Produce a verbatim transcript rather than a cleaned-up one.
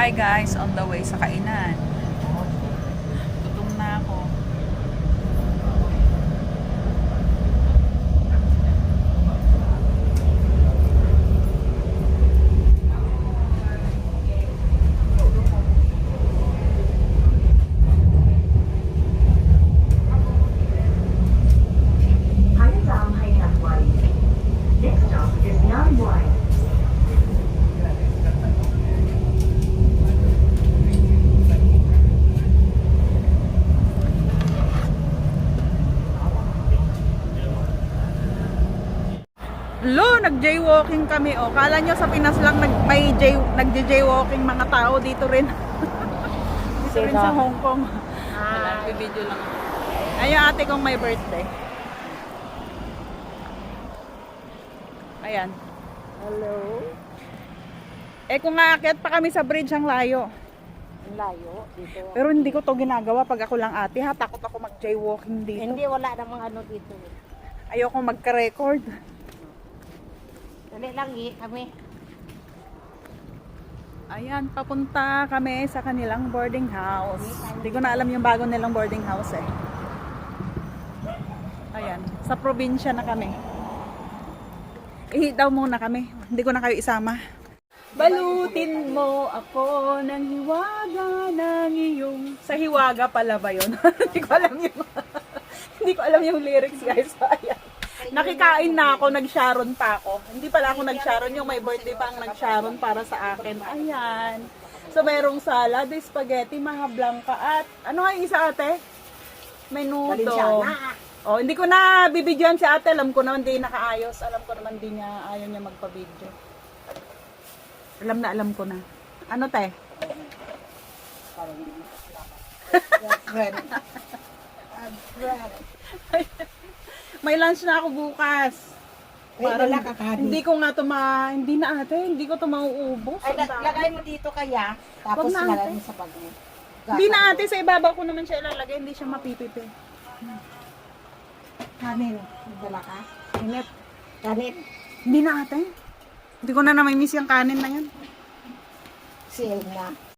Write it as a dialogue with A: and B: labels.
A: Hi guys, on the way sa kainan. Gutom na ako.
B: Next stop is Nine Wine.
A: Lo, nag-jaywalking kami. O, kala nyo sa Pinas lang nag, may jay, nag-jaywalking mga tao dito rin. Dito rin sa Hong Kong. Wala, video lang. Ayun ate kong may birthday. Ayan.
C: Hello?
A: Eh kung aakyat pa kami sa bridge, ang layo.
C: Ang layo dito.
A: Pero hindi ko to ginagawa pag ako lang ate ha. Takot ako mag-jaywalking dito.
C: Hindi, wala namang ano dito.
A: Ayoko magka-record.
C: Dali lang eh, kami.
A: Ayan, papunta kami sa kanilang boarding house. Hindi ko na alam yung bago nilang boarding house eh. Ayan, sa probinsya na kami. Ihi daw muna kami. Hindi ko na kayo isama. Balutin mo ako ng hiwaga ng iyong... Sa hiwaga pala ba yun? Hindi ko alam yung... Hindi ko alam yung lyrics guys. Ayan. Nakikain na ako, nag-sharon pa ako. Hindi pala ako nag-sharon, yung may birthday pa ang nag-sharon para sa akin. Ayan. So, merong salad, spaghetti, maha blanca, at ano nga yung isa ate? Menudo. Oh, hindi ko na bibidyoan si ate. Alam ko naman di nakaayos. Alam ko naman di niya, ayaw niya magpa-video. Alam na, alam ko na. Ano te?
C: Bread. Bread.
A: May lunch na ako bukas.
C: Ay, wala ka kani.
A: Hindi ko nga to ma... Hindi na ate, hindi ko to mauubos.
C: Ay,
A: Ang dami.
C: lagay mo dito kaya.
A: Wag
C: Tapos
A: na,
C: nalagay
A: ate.
C: mo sa bag mo.
A: Hindi na ate, sa ibabaw ko naman siya ilalagay. Hindi siya mapipipi.
C: Kanin. Dala ka?
A: Inip.
C: Kanin.
A: Hindi na ate. Hindi ko na namimiss yung kanin na yan.
C: Sale na.